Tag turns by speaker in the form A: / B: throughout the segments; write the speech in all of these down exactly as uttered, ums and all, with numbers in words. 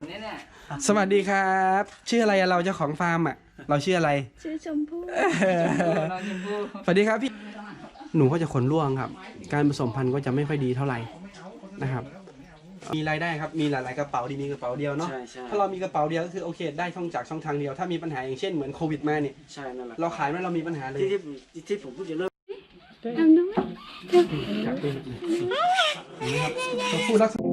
A: เนี่ยเนี่ย
B: สวัสดีครับชื่ออะไรอะเราเจ้าของฟาร์มอ่ะเราชื่ออะไร
C: ชื่อชมพู่
A: น้องชมพู่
B: สวัสดีครับพี่หนูก็จะขนร่วงครับการผสมพันธุ์ก็จะไม่ค่อยดีเท่าไหร่นะครับมีรายได้ครับมีหลายๆกระเป๋าดีมีกระเป๋าเดียวเนาะถ้าเรามีกระเป๋าเดียวก็คือโอเคได้ช่องจากช่องทางเดียวถ้ามีปัญหาอย่างเช่นเหมือนโควิดมาเนี่ย
D: ใช่นั่นแหละ
B: เราขายไม่เรามีปัญหาเลย
D: ที่ที่ที่ผมพูดจะเริ่ม
C: ทำด้วย
B: ครับนี่ครับเราพูดลักษณะ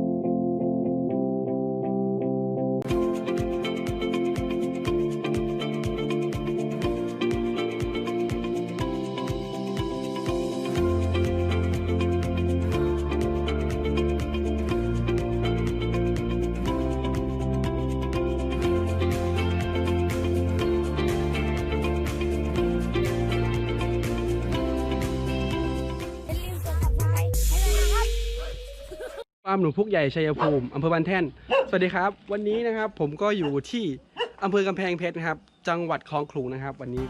B: ฟาร์มหนูพุกใหญ่ชัยภูมิอำเภอบ้านแท่นสวัสดีครับวันนี้นะครับผมก็อยู่ที่อำเภอกำแพงเพชรนะครับจังหวัดคลองขลุงนะครับวันนี้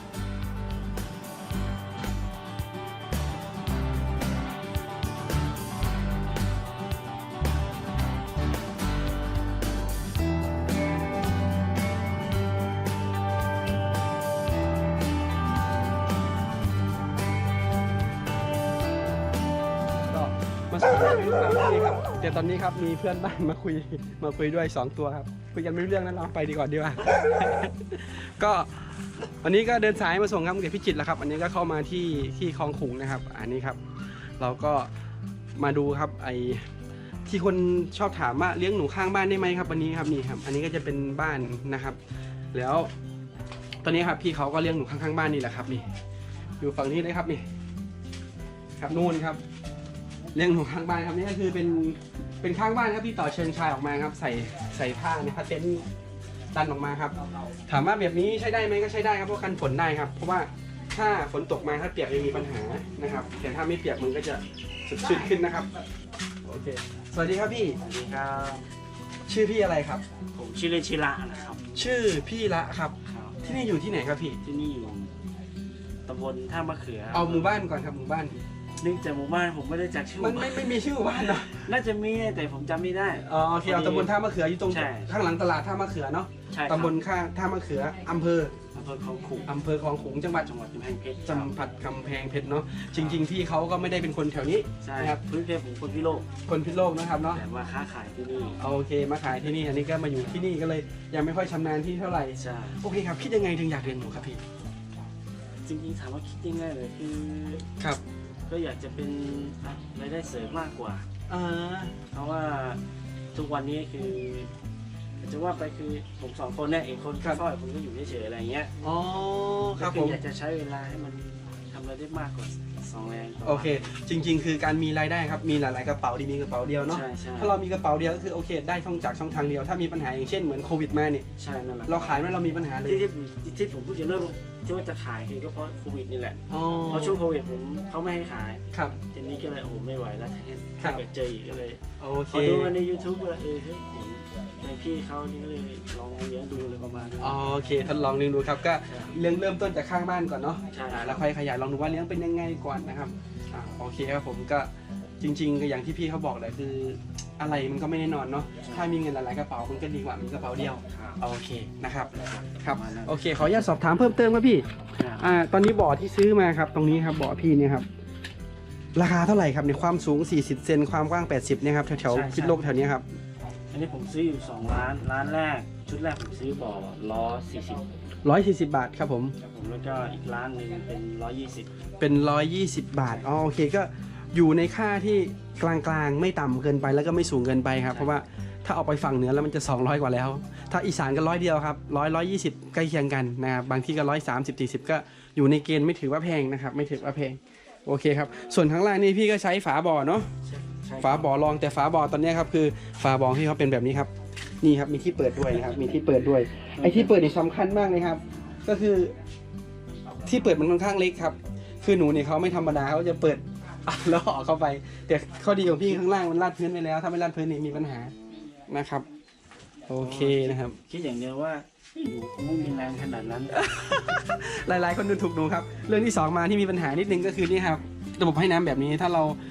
B: มาสอนให้ลูกฟาร์มที่นี่ครับแต่ตอนนี้ครับมีเพื่อนบ้านมาคุยมาคุยด้วยสองตัวครับคุยกันไม่รู้เรื่องนั้นเราไปดีกว่าดีกว่า ก็วันนี้ก็เดินสายมาส่งครับเด็กพิจิตรแล้วครับอันนี้ก็เข้ามาที่ที่คลองขลุงนะครับอันนี้ครับเราก็มาดูครับไอที่คนชอบถามว่าเลี้ยงหนูข้างบ้านได้ไหมครับวันนี้ครับนี่ครับอันนี้ก็จะเป็นบ้านนะครับ แล้วตอนนี้ครับพี่เขาก็เลี้ยงหนูข้างๆบ้านนี่แหละครับนี่อยู่ฝั่งนี้เลยครับนี่ครับนู่นครับเลี้ยงหนูข้างบ้านครับนี่ก็คือเป็นเป็นข้างบ้านครับพี่ต่อเชิงชายออกมาครับใส่ใส่ผ้าในผ้าเต็นท์ดันออกมาครับถามว่าแบบนี้ใช้ได้ไหมก็ใช้ได้ครับเพราะกันฝนได้ครับเพราะว่าถ้าฝนตกมาถ้าเปียกยังมีปัญหานะครับแต่ถ้าไม่เปียกมันก็จะสดชื่นขึ้นนะครับโอเคสวัสดีครับพี่
D: สวัสดีครับ
B: ชื่อพี่อะไรครับ
D: ผมชื่อเล่นชิระนะครับ
B: ชื่อพี่ละครับ
D: ครับ
B: ที่นี่อยู่ที่ไหนครับพี่
D: ที่นี่อยู่ตำบลท่ามะเขือ
B: เอาหมู่บ้านก่อนครับหมู่บ้าน
D: เนื่องจากหมู่บ้านผมไม่ได้จักชื่อ
B: มันไม่ไม่มีชื่อหมู่บ้านเนาะ
D: น่าจะมีแต่ผมจำไม่ได้
B: อ๋อโอเคเอาตำบลท่ามะเขืออยู่ตรง
D: ใช่
B: ข้างหลังตลาดท่ามะเขือเนาะ
D: ใช่ครับ
B: ตำบลข้างท่ามะเขืออำเภอ
D: อำเภอคลองขลุง
B: อำเภอคลองขลุงจังหวัด
D: จังหวัดกำแพงเพชร
B: จังหวัดกำแพงเพชรเนาะจริงๆพี่เขาก็ไม่ได้เป็นคนแถวนี้
D: ใช่
B: นะครับ
D: พื้นเพผมคนพิโลก
B: คนพิษณุโลกนะครับเนาะ
D: แต่ว่าค้าขายที่นี่
B: เอาโอเคมาขายที่นี่อันนี้ก็มาอยู่ที่นี่ก็เลยยังไม่ค่อยชำนาญที่เท่าไหร่
D: ใช่
B: โอเคครับคิดยังไงถึงอยากเรียนหนูครับพี่
D: จริงๆถามว่าคิดยังไงเลยคือ
B: ครับ
D: ก็อยากจะเป็นรายได้เสริมมากกว่า
B: อ่า
D: เพราะว่าทุกวันนี้คือจะว่าไปคือผมสองคนเนี่ยเอกคนค่อยๆผมก็อยู่เฉยๆอะไรเงี้ย
B: อ๋อครับ
D: ก็
B: ผม
D: อยากจะใช้เวลาให้มันทำอะไรได้มากกว่าสองแรงต่วัน
B: โอเค จริง ๆ คือการมีรายได้ครับมีหลายๆกระเป๋าดีมีกระเป๋าเดียวเนาะ
D: ใช่ใช่
B: ถ้าเรามีกระเป๋าเดียวก็คือโอเคได้ช่องจากช่องทางเดียวถ้ามีปัญหาอย่างเช่นเหมือนโควิดมาเนี่ย
D: ใช่นั่นแหละ
B: เราขายไม่เรามีปัญหาเลย
D: ที่ที่ที่ผมพูดจะเริ่มที่ว่าจะขายคือก็เพราะโควิดนี่แหละ
B: อ๋อ
D: เพราะช่วงโควิดผมเขาไม่ให้ขาย
B: ครับ
D: ทีนี้ก็เลยโอ้โหไม่ไหวแล้ว
B: ครั
D: ถ้า
B: บ
D: เกิดเจออีกก็เลย
B: โอเค
D: พอดูมาใน ยูทูบ เลยเออเฮ้ยเห็นในพี่เขานี่ก็เลยลองเลี้ยงดูเลยประมาณนี้
B: โอเคทดลองเลี้ยงดูครับก็เริ่มเริ่มต้นจากข้างบ้านก่อนเนาะ
D: ใช่
B: อ่าแล้วค่อยขยายลองดูว่าเลี้ยงเป็นยังไงก่อนนะครับอ่าโอเคครับผมก็จริงๆก็อย่างที่พี่เขาบอกแหละคืออะไรมันก็ไม่แน่นอนเนาะถ้ามีเงินหลายๆกระเป๋ามันก็ดีกว่ามีกระเป๋าเดียว
D: ครับ
B: โอเคนะครับครับ
D: ประมาณนั้น
B: โอเคขออนุญาตสอบถามเพิ่มเติมครับพี่
D: ครับ
B: อ่าตอนนี้บ่อที่ซื้อมาครับตรงนี้ครับบ่อพี่เนี่ยครับราคาเท่าไหร่ครับในความสูงสี่สิบเซนความกว้างแปดสิบเนี่ยครับแถวๆพิษณุโลกแถวนี้ครับ
D: อันนี้ผมซื้ออยู่สองร้านร้านแรกชุดแรกผมซื้อบ่อล้อสี่สิบ
B: ร้อยสี่สิบบาทครับผม
D: ครับผมแล้วก็อีกร้านหนึ่งเป็นร้อยยี่สิบ
B: เป็นร้อยยี่สิบบาทอ๋อโอเคก็อยู่ในค่าที่กลางๆไม่ต่ำเกินไปแล้วก็ไม่สูงเกินไปครับเพราะว่าถ้าเอาไปฝั่งเหนือแล้วมันจะสองร้อยกว่าแล้ว ถ้าอีสานก็ร้อยเดียวครับร้อยร้อยยี่สิบใกล้เคียงกันนะครับบางที่ก็ร้อยสามสิบสี่สิบก็อยู่ในเกณฑ์ไม่ถือว่าแพงนะครับไม่ถือว่าแพงโอเคครับส่วนข้างล่างนี่พี่ก็ใช้ฝาบ่อเนาะ ฝาบ่อรองแต่ฝาบ่อตอนนี้ครับคือฝาบ่อที่เขาเป็นแบบนี้ครับนี่ครับมีที่เปิดด้วยนะครับมีที่เปิดด้วยไอ้ที่เปิดนี่สำคัญมากเลยครับ ก็คือที่เปิดมันค่อนข้างเล็กครับคือหนูเนี่ยเขาไม่ธรรมดาเขาจะเปิดอ่ะแล้วออกเข้าไปแต่ข้อดีของพี่ข้างล่างมันลาดพื้นไปแล้วถ้าไม่ลาดพื้นนี่มีปัญหานะครับโอเคนะครับ
D: คิดอย่างเดียวว่าหนูคงไม่มีแรงขนาดนั้น
B: หลายๆคนดูถูกหนูครับเรื่องที่สองมาที่มีปัญหานิดนึงก็คือนี่ครับระบบให้น้ำแบบนี้ถ้าเรา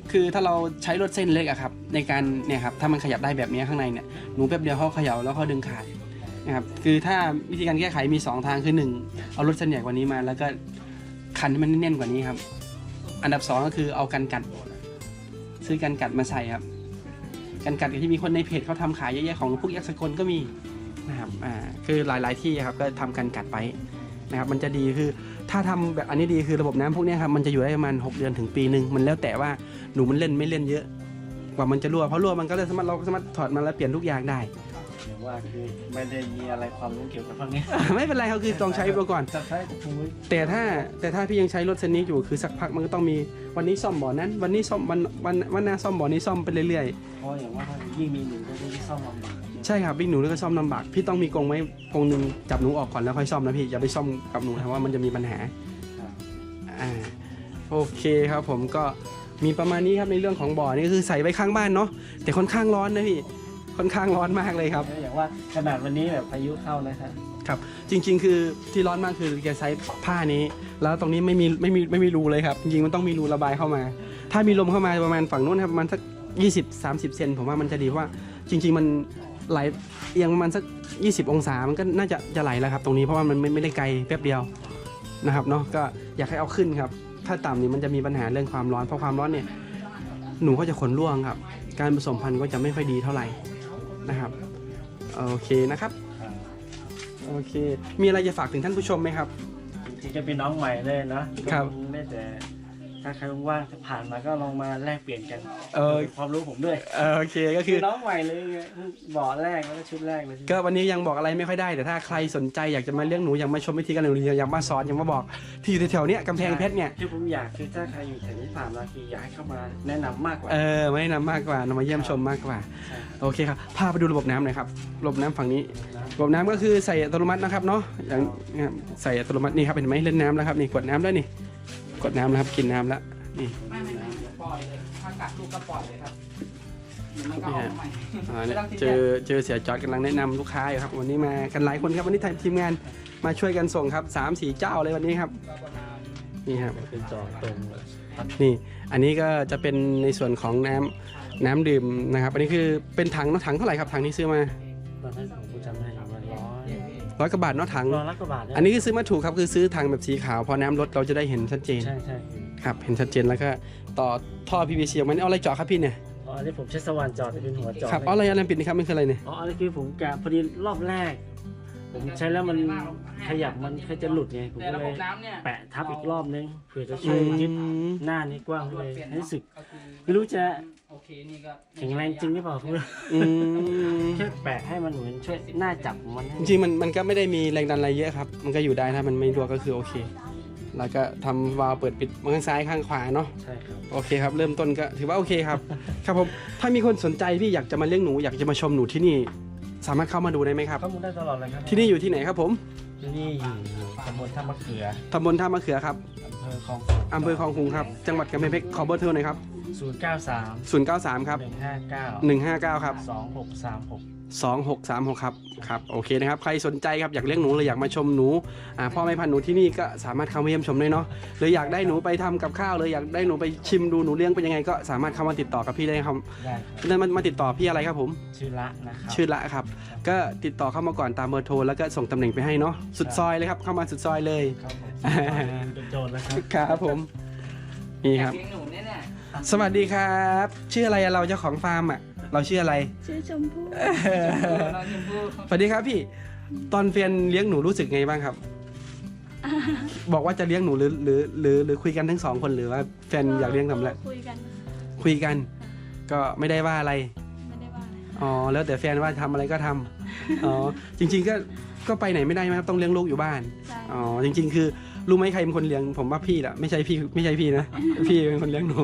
B: คือถ้าเราใช้รถเส้นเล็กอะครับในการเนี่ยครับถ้ามันขยับได้แบบนี้ข้างในเนี่ยหนูแป๊บเดียวเขาเขย่าแล้วเขาดึงขาดนะครับคือถ้าวิธีการแก้ไขมีสองทางคือหนึ่งเอารถเส้นใหญ่กว่านี้มาแล้วก็คันให้มันแน่นกว่านี้ครับอันดับสองก็คือเอากันกัดซื้อกันกัดมาใส่ครับกันกัดที่มีคนในเพจเขาทำขายเยอะๆของพวกยักษ์สกลก็มีนะครับอ่าคือหลายๆที่ครับก็ทำกันกัดไปนะครับมันจะดีคือถ้าทำแบบอันนี้ดีคือระบบน้ำพวกนี้ครับมันจะอยู่ได้ประมาณหกเดือนถึงปีหนึ่งมันแล้วแต่ว่าหนูมันเล่นไม่เล่นเยอะกว่ามันจะรั่วเพราะรั่วมันก็เลยสามารถเราสามารถถอดมาแล้วเปลี่ยนทุกอย่างได้
D: เดี๋ยวว่าคือไม่ได้มีอะไรความรู้เกี่ยวกับพวกนี้
B: ไม่เป็นไรเขาคือต้องใช้ไปก่อน
D: จะใช้ถุงมือ
B: แต่ถ้าแต่ถ้าพี่ยังใช้รถเส้นนี้อยู่คือสักพักมันก็ต้องมีวันนี้ซ่อมบ่อนั้น วันนี้ซ่อมวันวันวันหน้าซ่อมบ่อนี้ซ่อมไปเรื่อย
D: เพราะอย่างว่าถ้ายิ่งมีหนูก็ยิ่งซ่อมลำบาก
B: ๆใช่ครับวิ่งหนูแล้วก็ซ่อมลำบากพี่ต้องมีกรงไว้กรงหนึ่งจับหนูออกก่อนแล้วค่อยซ่อมนะพี่อย่าไปซ่อมกับหนูนะว่ามันจะมีปัญหา
D: ครับ
B: อ่าโอเคครับผมก็มีประมาณนี้ครับในเรื่องของบ่อนี่คือใส่ไว้ข้างบ้านเนาะแต่ค่อนข้างร้อนนะพี่ค่อนข้างร้อนมากเลยครับ
D: แล้วอย่างว่าขนาดวันนี้แบบพายุเข้านะครับ
B: ครับจริงๆ คือที่ร้อนมากคือแกใช้ผ้านี้ แล้วตรงนี้ไม่มีไม่มีไม่มีรูเลยครับจริงๆมันต้องมีรูระบายเข้ามา ถ้ามีลมเข้ามาประมาณฝั่งนู้นครับประมาณสักยี่สิบ สามสิบเซนผมว่ามันจะดีเพราะว่าจริง ๆ มันไหลเอียงประมาณสักยี่สิบองศามันก็น่าจะจะไหลแล้วครับตรงนี้เพราะว่ามันไม่ไม่ได้ไกลแป๊บเดียวนะครับเนาะก็อยากให้เอาขึ้นครับถ้าต่ำนี่มันจะมีปัญหาเรื่องความร้อนเพราะความร้อนเนี่ยหนูก็จะขนร่วงครับการผสมพันธุ์ก็จะไม่ค่อยดีเท่าไหร่นะครับโอเคนะครับ โอเค มีอะไรจะฝากถึงท่านผู้ชมไหมครับ
D: จริงๆจะเป็นน้องใหม่เลยนะครับ ได้แต่ถ้าใครว่างๆจะผ่านมาก็ลองมาแลกเปลี่ยนกัน
B: เออ
D: เป็นความรู้ผมด้วย
B: เออโอเคก็คือ
D: น้องใหม่เลยไงบ่อแรกแล้วก็ชุดแรกเลย
B: ก็วันนี้ยังบอกอะไรไม่ค่อยได้แต่ถ้าใครสนใจอยากจะมาเลี้ยงหนูอยากมาชมวิธีการเลี้ยงหนูอยากมาสอนอยากมาบอกที่อยู่แถวๆเนี้ยกำแพงเพชรเนี่ย
D: คือผมอยากคือถ้าใครอยู่แถวนี้ผ่านมาคืออยากให้เข้ามาแนะนำมากกว่า
B: เออไม่แนะนำมากกว่านำมาเยี่ยมชมมากกว่า
D: ใช่
B: โอเคครับพาไปดูระบบน้ำหน่อยครับระบบน้ำฝั่งนี้
D: นะ
B: ระบบน้ำก็คือใส่อัตโนมัตินะครับเนาะอย่างเนี่ยใส่อัตโนมัตินี่ครับเห็นไหมเล่นน้ำแล้วครับนี่กดน้ำแล้วนี่กดน้ำแล้วครับกินน้ำแล้วนี่
A: ไม่ไม่ไม่ปล่อยเลยถ้ากัดลูกก็ปล่อยเลยครับมันก็ออกมาใหม่
B: อ่าเนี่ยเจอเจอเสียจอดกำลังแนะนำลูกค้าอยู่ครับวันนี้มากันหลายคนครับวันนี้ทีมงานมาช่วยกันส่งครับสามสี่เจ้าเลยวันนี้ครับนี่ครับ
D: เป็นจอตรงเลย
B: นี่อันนี้ก็จะเป็นในส่วนของน้ำน้ำดื่มนะครับ อันนี้คือเป็นถังเนาะถังเท่าไหร่ครับถังที่ซื้อมา
D: ตอนนั้นผมจำได้ประมาณร้อย
B: ร้อยกว่าบาทเนาะถัง
D: ร้อยละกว่าบาทเย
B: อันนี้คือซื้อมาถูกครับคือซื้อถังแบบสีขาวพอน้ำลดเราจะได้เห็นชัดเจน
D: ใช่ใช่
B: ครับเห็นชัดเจนแล้วก็ต่อท่อ พี วี ซี ออกมานี่เอาอะไรเจาะครับพี่เนี่ย
D: อ๋ออันนี้ผมใช้สว่านจอดแต่เป็นหัวจอด
B: ครับเอาอะไรอะไรปิดนี่ครับมันคืออะไรเนี่ย
D: อ๋ออันนี้คือผมแกะพอดีรอบแรก ผมใช้แล้วมันขยับมันแค่จะหลุดไงผม
A: แต่
D: ก็
A: ระ
D: เล
A: บบ
D: ย
A: น้ำเนี่ย
D: แปะทับอีกรอบนึงเผื่อจะ
B: อื
D: ช่วยยึด
B: ม
D: หน้านี้กว้างเลยให้รู้สึก
A: ก็คือ
D: ไม่รู้จะ
A: โอเคนี่ก็
D: แข็งแรงจริงหรือเปล่าคุณ
B: อืม
D: แค่แปะให้มันเหมือนช่วยหน้าจับมันให้
B: จริงๆมันมันก็ไม่ได้มีแรงดันอะไรเยอะครับมันก็อยู่ได้ถ้ามันไม่รั่วก็คือโอเค แล้วก็ทำวาล์วเปิดปิดข้างซ้ายข้างขวาเนาะ
D: ใช่ครับ
B: โอเคครับเริ่มต้นก็ถือว่าโอเคครับ ครับผมถ้ามีคนสนใจพี่อยากจะมาเลี้ยงหนูอยากจะมาชมหนูที่นี่ สามารถเข้ามาดูได้ไหมครับ
D: ข้อมูลได้ตลอดเลยครับ
B: ที่นี่อยู่ที่ไหนครับผม
D: ที่นี่อยู่ตำบลท่ามะเขือ
B: ตำบลท่ามะเขือครับ
D: อำเภอคลอง
B: อำเภอคลองคุงครับจังหวัดกำแพงเพชรขอเบอร์โทรหน่อยครับ
D: ศูนย์เก้าสาม
B: ศูนย์ เก้า สามครับ
D: หนึ่งห้าเก้า
B: หนึ่งห้าเก้าครับ
D: สองหกสามหก
B: สองหกสามหกครับครับโอเคนะครับใครสนใจครับอยากเลี้ยงหนูหรืออยากมาชมหนูอ่าพ่อแม่พันธุ์หนูที่นี่ก็สามารถเข้ามาเยี่ยมชมได้เนาะหรืออยากได้หนูไปทำกับข้าวเลยอยากได้หนูไปชิมดูหนูเลี้ยงเป็นยังไงก็สามารถเข้ามาติดต่อกับพี่ได้ครับ
D: ได้ครับ
B: นั่นมันมาติดต่อพี่อะไรครับผม
D: ชื่อละนะครับ
B: ชื่อละครับก็ติดต่อเข้ามาก่อนตามเบอร์โทรแล้วก็ส่งตำแหน่งไปให้เนาะสุดซอยเลยครับเข้ามาสุดซอยเลย
D: ครับผมเป็นโจรแล้วครับ
B: ครับผมนี่ครับ
A: เลี้ยงหนูเนี่ยเนี่ย
B: สวัสดีครับชื่ออะไรอะเราเจ้าของฟาร์มอ่ะเราชื่ออะไร
C: ชื่อชมพู่
A: เราชมพู่
B: สวัสดีครับพี่ตอนแฟนเลี้ยงหนูรู้สึกไงบ้างครับ บอกว่าจะเลี้ยงหนูหรือหรือหรือหรือคุยกันทั้งสองคนหรือว่าแฟนอยากเลี้ยงทำอะไร
C: คุยกัน
B: คุยกัน ก็ไม่ได้ว่าอะไร
C: ไม่ได้ว่าอะไร
B: อ๋อแล้วแต่แฟนว่าทำอะไรก็ทำอ๋อจริง ๆ ก็ก็ไปไหนไม่ได้ไหมครับต้องเลี้ยงลูกอยู่บ้าน
C: ใช่
B: อ๋อจริง ๆ คือรู้ไหมใครเป็นคนเลี้ยงผมว่าพี่แหละไม่ใช่พี่ไม่ใช่พี่นะ พี่เป็นคนเลี้ยงหนู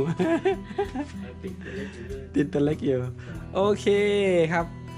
B: ติดตัวเล็กอยู่โอเคครับ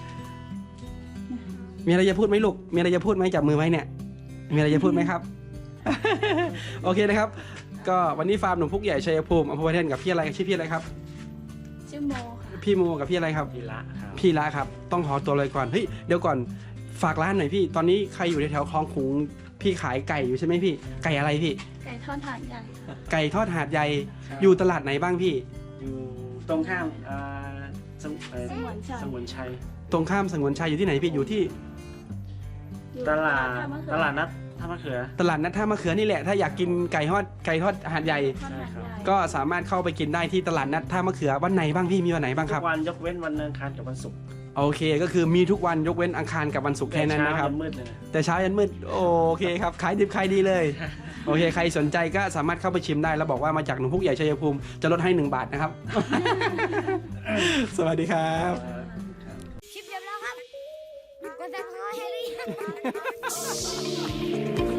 B: มีอะไรจะพูดไหมลูกมีอะไรจะพูดไหมจับมือไว้เนี่ยมีอะไรจะพูดไหมครับ โอเคนะครับ ก็วันนี้ฟาร์มหนุ่มพุกใหญ่ชัยภูมิอำเภอพระเทนกับพี่อะไรชื่อพี่อะไรครับ
C: ชื่อโมค่ะ
B: พี่โมกับพี่อะไรครับ
D: พี่ละครับ
B: พี่ละครับต้องขอตัวเลยก่อนเฮ้ยเดี๋ยวก่อนฝากร้านหน่อยพี่ตอนนี้ใครอยู่ในแถวคลองขุงพี่ขายไก่อยู่ใช่ไหมพี่ไก่อะไรพี่
C: ไก่ทอดถาดใหญ่ค่ะ
B: ไก่ทอดหาดใหญ่อยู่ตลาดไหนบ้างพี่
D: ออยู่ตรงข้ามอ่าสมเอ่อ
C: สงวนชัย
D: สงวนชัย
B: ตรงข้ามสงวนชัยอยู่ที่ไหนพี่อยู่ที่
C: อยู่
D: ตลาด
C: ท่มะเขือ
D: ตลาดนัดท่ามะเขือ
B: ตลาดนัดท่ามะเขือนี่แหละถ้าอยากกินไก่ทอดไก่ทอดหาดใหญ่
C: ทอดหาดใหญ่
B: ก็สามารถเข้าไปกินได้ที่ตลาดนัดท่ามะเขือวันไหนบ้างพี่มีวันไหนบ้างค
D: ทุ
B: รับ
D: กวันยกเว้นวันอังคารกับวันศุกร์
B: โอเคก็คือมีทุกวันยกเว้นอังคารกับวันศุกร์แค่นั้นนะครับ
D: แต่เช้ายัมืดเลยนะ
B: แต่เช้ายันมืดโอเคครับขายดิบขายดีเลยโอเคใครสนใจก็สามารถเข้าไปชิมได้แล้วบอกว่ามาจากหนุ่มพุกใหญ่ชัยภูมิจะลดให้หนึ่งบาทนะครับ สวัสดีครับ
E: คลิปจบแล้วครับ กดซับสไครต์ให้หรือยัง